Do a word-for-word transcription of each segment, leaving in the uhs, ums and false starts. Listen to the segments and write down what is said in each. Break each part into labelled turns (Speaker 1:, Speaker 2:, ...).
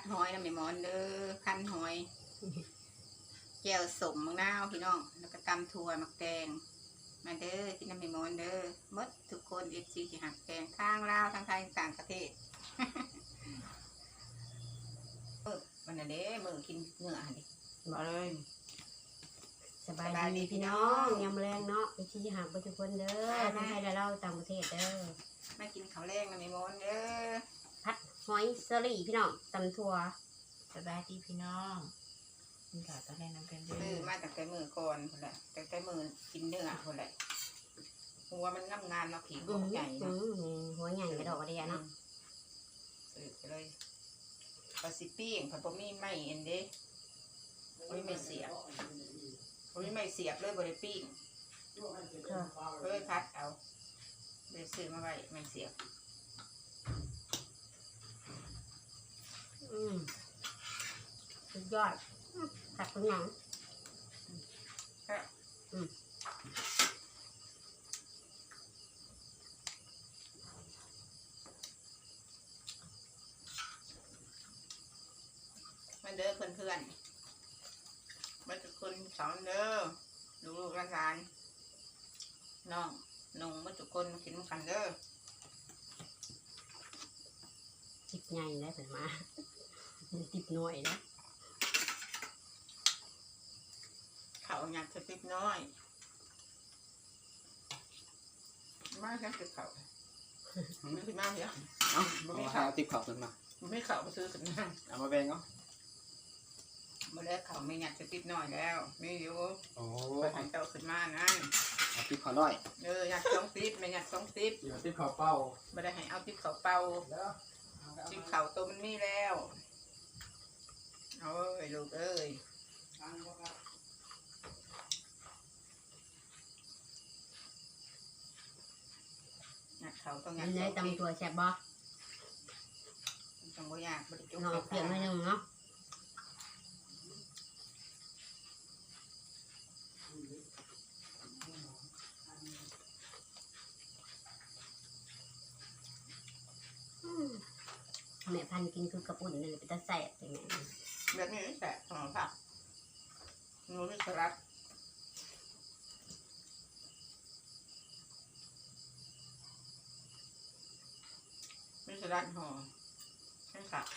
Speaker 1: หอยน้ำไม่มอนเด้อคั้นหอยแจ่วสมมะนาวพี่น้องแล้วก็ตำถั่วมักแตงมาเด้อกินน้ำไม่มอนเด้อมดทุกคนเอฟซีที่หักแตงทางลาวทางไทยต่างประเทศเออมันน่ะเด้มือกินเนื้อดิบอกเลย
Speaker 2: สบายดีพี่น้องยำแรงเนาะไปที่หางไปทุกคนเด้อทั้งไทยและเราต่างประเทศเด้อ
Speaker 1: มากินข้าวแรงน้ำไม่มอนเด้อ
Speaker 2: ผัดหอยเซอรี่พี่น้องตำถั่ว
Speaker 3: สบายดีพี่น้องกินข้าวตอนแรกน้ำกันเด้
Speaker 1: ซื้อ
Speaker 3: อ
Speaker 1: มาตั้งแต่มือก่อนคนละตั้งแต่มือกินเนื้อคนละหัวมันงามงานเนาะผีก็ใหญ่เนาะ
Speaker 2: หัวใหญ่กระดอกกระเดียเนาะ
Speaker 1: ซื้อไปเลยปลาซิปิ้งผัดบะหมี่ไม่เอ็นเด้บะหมี่ไม่เสียบบะหมี่ไม่เสียบเลยบะหมี่ปิ้งเลยพัดเอาเลยซื้อมาไว้ไม่เสียบ
Speaker 2: อืมสุดยอดผัดเป็นหนังอืม
Speaker 1: มาเด้อเพื่อนเพื่อนมาทุกคนสอนเด้อลูกๆหลานๆน้องนุ่งมาทุกคนกินกันเด้อ
Speaker 2: จิบใหญ่ได้ผลมาจิบหน่อยนะ
Speaker 1: เขาอยากจะติดน้อยมาแค่ติดเขาไม่ติดมากเยอะ
Speaker 4: เอาไม่ข่าวติดข่าวขึ้นมา
Speaker 1: ไม่เขาไปซื้อกันนั่ง
Speaker 4: เอามาแบ่งเนาะ
Speaker 1: มาแล้วเขาไม่อยากจะติดน้อยแล้วไม่อยู่
Speaker 4: โอ้
Speaker 1: ไปหายเจ้าขึ้นมานะ
Speaker 4: เอาติดข่าวน้อย
Speaker 1: เอออยากต้องติดไม่อยากต้องติด
Speaker 4: เดี๋ยวติดข่าวเป้า
Speaker 1: ไม่ได้ให้เอาติดเขาเป่าติดเขาตัวมันมีแล้วโอ้ยลูกเอ้ยเขาต้องอยาก
Speaker 2: ได้ตำตัวแซ่บบ่
Speaker 1: ต้องบ่อยากบ่ได้จุก
Speaker 2: เนาะเปลี่ยนไม่หนึ่งเนาะแม่พันกินคือกระปุ่นเลยเป็นตาแสบอย่างเงี้ย
Speaker 1: แบบนี้แสบหอมผักนูไม่สลัดไม่สลัดหอมใช่ค่ะ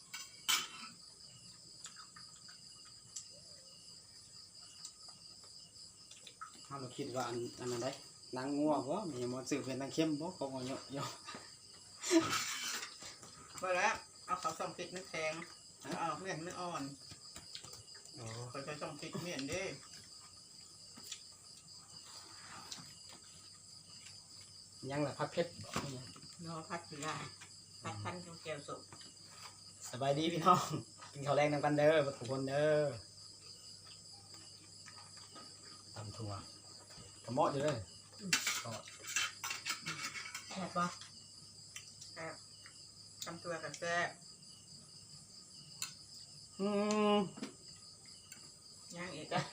Speaker 4: เราคิดว่าอันอันนั้นได้นางงัวบ่มีหมดสื่อเป็นนางเข้มบ่ของเยอะเยอะ
Speaker 1: ไปแล้วเอาเขาส่องพริกน้ำแข็งเอาเมี่ยนไม่อ่อนโอ้เขาใช้ส่องพริกเมี่ยนดิ
Speaker 4: ยังล่ะพักเพชร
Speaker 1: นอพัดสีลายพัดพันแก้วสุก
Speaker 4: สบายดีพี่น้องกินข้าวแรงนำกันเด้อทุกคนเด้อตำถั่วกระเมาะอยู่เลย
Speaker 2: แซ่บบ่
Speaker 1: แซ่บตำตัวกับแซ่บ
Speaker 4: อืม
Speaker 1: ย่างอีกอ่ะ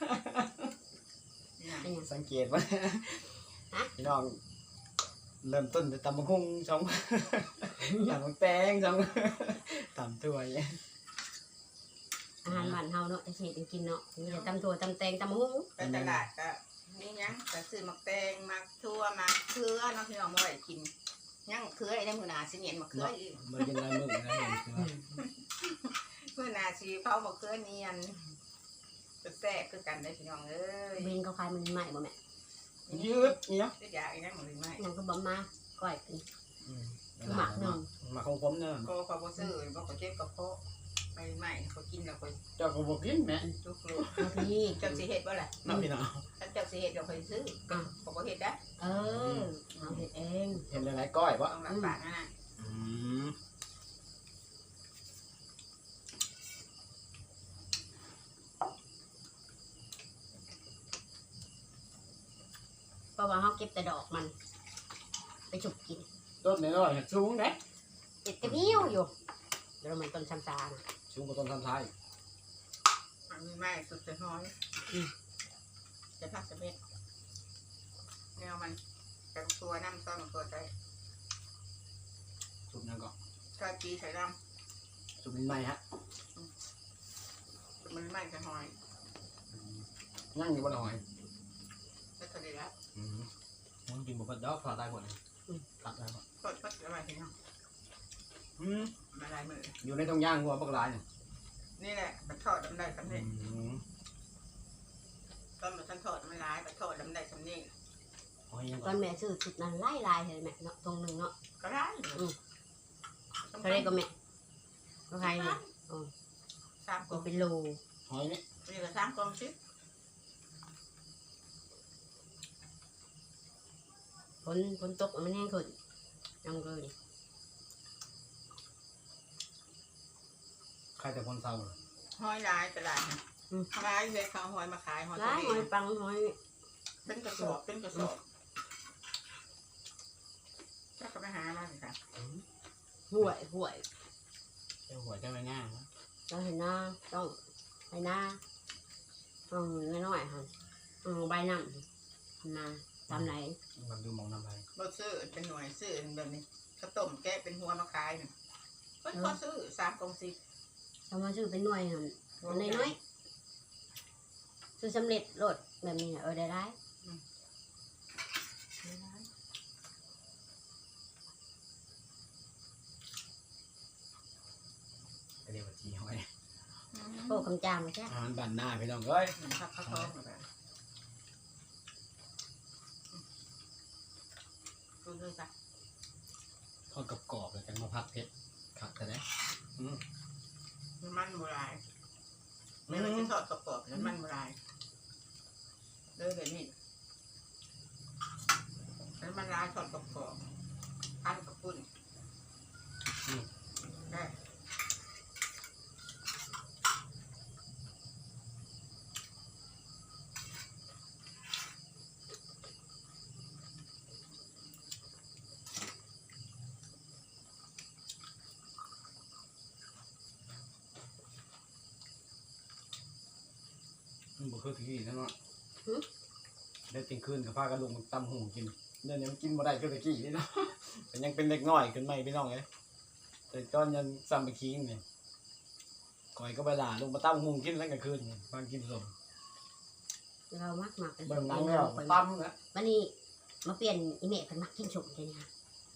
Speaker 4: สังเกตว่าพี่น้องเริ่มต้นจะตำมะฮุ่งช่องตำมะแตงช่องตำถั่วเนี่ย
Speaker 2: อาหารบ้านเฮาเนาะจะเห็ดกินเนาะมีแต่ตำถั่วตำแตงตำมะฮุ่ง
Speaker 1: ไปตลาดก็นี่ยังแต่ซื้อมักแตงมักทั่วมักเขือน้องพี่น้องมาไว้กินยังเขือไอ้ได้มือหนาสิเนียนมักเขืออีก
Speaker 4: มันเป็นลายมือนะเห็นคือว่า
Speaker 1: มือหนาสีเผามักเขือเนียนจะแซ่บคือกันได้พี่น้องเอ้ย
Speaker 2: เบนเขาขายมันใหม่บ่แม่
Speaker 4: ยืดเนาะ
Speaker 1: จะอยากอีกนะมือใหม่
Speaker 2: ยังก็บ่มาก้อยกินหมักหนึ่ง
Speaker 4: หมักของผมเนาะ
Speaker 1: ก็เขาบ่ซื้อบ่เขาเจ็บกับเพาะไปใหม่เขากินแล้วเขา
Speaker 4: เจ้าก็บอกกินแม่
Speaker 1: ทุกลูก
Speaker 2: พี่
Speaker 1: เจ้าสิเห็ดบ่ล่ะ
Speaker 4: น้ำพี่น้อง
Speaker 1: ถ้าเจ้าสิเห็ดเราเคยซื้อเขาก็เห็ดได้
Speaker 2: เออเอาเห็ดเอง
Speaker 4: เห็นหลายๆก้อยวะ
Speaker 1: ต้องรับปากนะ
Speaker 2: เพราะว่าเขาเก็บแต่ดอกมันไปฉุบกิน
Speaker 4: ต้นนี้ก็สูงนะ
Speaker 2: เจ็ดกระเบี้ยวอยู่เดี๋ยวมันต้นชำชา
Speaker 4: สูงกว่าต้นทำไทย
Speaker 1: มันมีไม้สุดจะน้อยจะพักจะเม็ดแนวมันแต่ตัวน้ำซ้อนตัวใจ
Speaker 4: สูบยังก่อน
Speaker 1: กะจีใส่น้
Speaker 4: ำสูสุมินใหม่ฮะ
Speaker 1: มันไม่จะหอย
Speaker 4: นั่งอยู่บนหอย
Speaker 1: ก็ทะเลละ
Speaker 4: อืมมันกินบุกดอกพอได้หมดเลยตัดได้หมด
Speaker 1: ก็ก็อะไรทีนี้
Speaker 4: อืม
Speaker 1: มาลายมือ
Speaker 4: อยู่ในตรงย่างหัวปลากรายเนี่ย
Speaker 1: นี่แหละมันทอดดำได้สำเร็จ
Speaker 4: อืม
Speaker 1: ตอนมันท่านทอดมันร้ายมันทอดดำได้สำเร็จ
Speaker 4: หอยยัง
Speaker 2: ต
Speaker 4: ก่
Speaker 2: อ
Speaker 4: อน
Speaker 2: นแม่ซื้อสุดนั้นไล่ลายเลยแม่เนาะตรงหนึ่งเนาะ
Speaker 1: ก็ได้
Speaker 2: เท่าไรก็แม่ก็ใครเนี่ย
Speaker 1: สามก
Speaker 2: ก็
Speaker 1: อง
Speaker 2: เป็นโล
Speaker 4: หอยนี่
Speaker 1: นี่ก็สามกองชิป
Speaker 2: ฝนฝนตกมันแห้งขึ้นยังเลย
Speaker 4: ใครแต่คนเศร้าเลย
Speaker 1: หอยร้ายตลาดร้ายเลยเขาหอยมาขายหอย
Speaker 2: ร้ายหอยปังหอย
Speaker 1: เป็นกระสอบเป็นกระสอบถ้าเขาไปหามาสิค่ะ
Speaker 2: ห่วยห่วย
Speaker 4: เจ้าหัวเจ้าไม่ง่ายนะ
Speaker 2: ต้องเห็นหน้าต้องไปหน้าต้องน้อยๆค่ะต้องใบน้ำมาตามไหน
Speaker 4: มันดูมองน้ำไป
Speaker 1: เราซื้อเป็นหน่วยซื้อแบบนี้ข้าวต้มแกะเป็นหัวมาขายเนี่ยเพิ่นก็ซื้อสามกองสิบ
Speaker 2: ทำมาซื้อเป็นหน่วยค่ะน้อยๆซื้อสำเร็จรถแบบนี้เออได้ได้
Speaker 4: เรียกว่าจีหอย
Speaker 2: โอ้คำจามใช่
Speaker 4: อาหารบ้านหน้าพี่น้องเอ้ย
Speaker 1: หนึ่งครับข้าวต้มแบบดูเลยจ้ะ
Speaker 4: ทอดกรอบๆเลยกันมาพักเพชรขัดแต่ไหนอืม
Speaker 1: มันโบราณไม่ว่าจะทอดกรอบๆแล้วมันโบราณเลยแบบนี้แล้วมันลายทอดกรอบๆพันกับปุ้นได้
Speaker 4: มันบ่คือที่นั่นเนาะได้เที่ยงคืนกับพากันลงตำหูกินเดี๋ยวนี้มันกินบ่ได้คือตะกี้นี่เนาะแต่ยังเป็นเด็กน้อยขึ้นไหมพี่น้องเอ้ยแต่ตอนยังซ้ำไปคิงเนี่ยก่อยก็ไปด่าลงมาตำหูกินแล้วกลางคืนพากินสม
Speaker 2: เรามักหมัก
Speaker 4: เบิ่งหนังแล้วตำนะ
Speaker 2: วันนี้มาเปลี่ยนอีเมลเป็นมักกินชมเลยนะ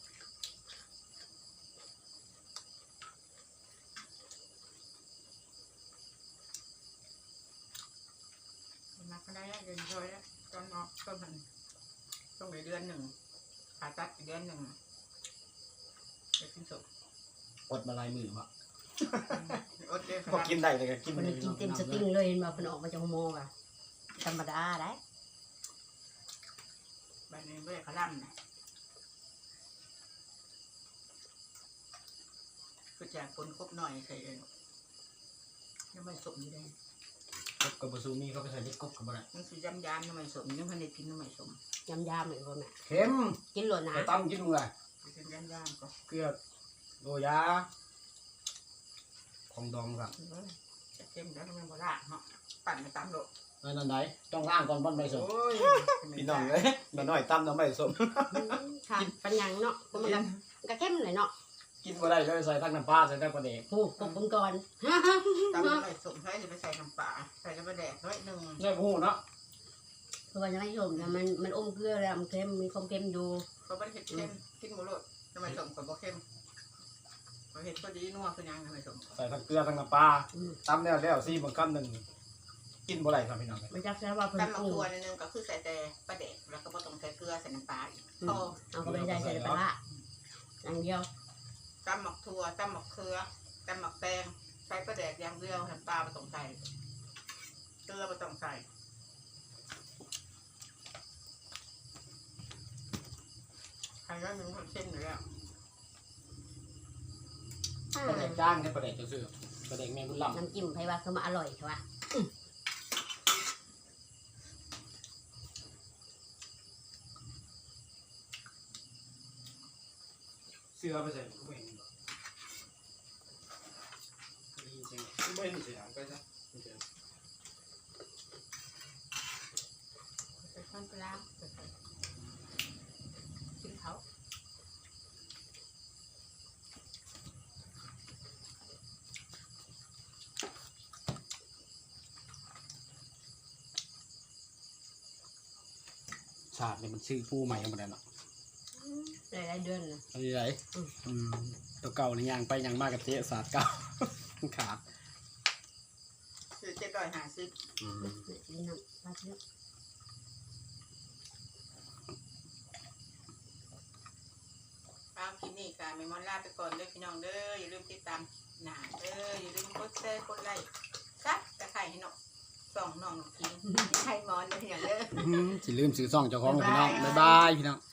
Speaker 1: มาก็ได้เดือนร้อยแล้วตอนออกก็มันต้องไปเดือนหนึ่งผ่าตัดอีกเดือนหนึ่งจะกินสุก
Speaker 4: อดมาลายมือวะ
Speaker 1: อดเดือนข
Speaker 4: พอ
Speaker 1: นาด
Speaker 4: กินได้เลยก็กิน
Speaker 2: มันกินเต็มสติงเลยมาเป็นออกมาจากโมงอะธรรมดาได้
Speaker 1: แบบนี้ไม่ได้ขลั่มนะคือจากคนครบหน่อยเคยยังไม่สมอยู่เลย
Speaker 4: กบกับบะซูมีเขาไปใส่เล็กกบกับอะไร
Speaker 1: มันคือยำยำยังไม่สมยังพันได้กินยังไม่สม
Speaker 2: ยำยำเหมือนคนแม่
Speaker 4: เค็ม
Speaker 2: กินหล่นนะ
Speaker 4: ไปตำกินมึงเลย
Speaker 1: คือยำยำก็
Speaker 4: เกลือโรยาของดองครับ
Speaker 1: จะเค็มแล้วมันโบราณเหาะปั่นไปตามโลก
Speaker 4: นั่นไหนต้องล้างก่อนบอนใบสม
Speaker 1: โอ้ย
Speaker 4: พี่น้องเลยแม่น้อยตำน้ำใบสม
Speaker 2: ค่ะปัญญังเนาะมันก็มันก็เข้มเลยเนาะ
Speaker 4: กินมาได้เลยใส่ทั้งน้ำปลาใส่ทั้งปลาเด็ก
Speaker 2: โอ้ปกก่อน
Speaker 1: ตำไม่สมให้จะไปใส่น้ำปลาใส่น้ำปลาแดกน้อยหนึ่ง
Speaker 4: เนี่ยพูเนาะ
Speaker 2: เพราะว่าจะไม่ชมนะมันมันอมเกลือแล้วมันเค็มมีความเค็มอยู่
Speaker 1: เขาไม่เห็ดเค็มกินหมูโลดน้ำมันสมกับบ่เค็มเขาเห็ดพอดีนัวคือยังน้ำมันสม
Speaker 4: ใส่ทั้งเกลือทั้งน้ำปลาตำแล้วแล้วซีมันคำหนึ่งกินบ่ได้ครับพี่น้อง
Speaker 2: มันจะแค่ว่าเพิ่น
Speaker 1: ตำมะ
Speaker 2: ปรุง
Speaker 1: กรูดนึงก็คือใส่แต่ปลาแดกแล้วก็บ่ต้องใส่เกลือใส่น้ำปลาอีกพอ
Speaker 2: เอาก็ไม่ได้ใส่ปลาร้าอย่างเดียว
Speaker 1: ตำหมักถั่วตำหมักเขือตำหมักแตงใส่ปลาแดกอย่างเดียวน้ำปลาบ่ต้องใส่เกลือบ่ต้องใส่ใครก็มีคนเช่นอยู่แล้ว
Speaker 4: ปลาเด็กจ้างเนี่ยปลาเด็กจะซื้อปลาเด็กแม่บุญลำ
Speaker 2: น้ำจิ้มไผว่าคือมาอร่อยใช่ปะ
Speaker 4: เสื้อไปใส่ก็ไม่เห็นบ่จริงๆไม่เห็นเสียงไปซะ
Speaker 1: ใส่ข้าวปลากินเขา
Speaker 4: าสเนี่ยมันชื่อผู้ใหม่หมดแล้วเนาะ
Speaker 2: หลายๆเดือนเลย
Speaker 4: อะไรไรอืมตัวเก่านี่ยางไปยางมากกับเจ๊ศาสตร์เก่า ขาด
Speaker 1: ซื้อเจ็ดร้อยห้าสิบ
Speaker 4: อืม
Speaker 2: นี่น้ำมาเยอะ
Speaker 1: เอาคลิปนี้ค่ะเมมอนลาไปก่อนเด้อพี่น้องเด้ออย่าลืมติดตามหนาเด้ออย่าลืมกดแชร์กดไลค์ซับตะไคร้ให้เนาะส่องน้องกินไข่มอนเด้อพี่น้องเด้อ
Speaker 4: สิลืมซื้อซ่องเจ้าของกับพี่น้องบ๊ายบายพี่น้อง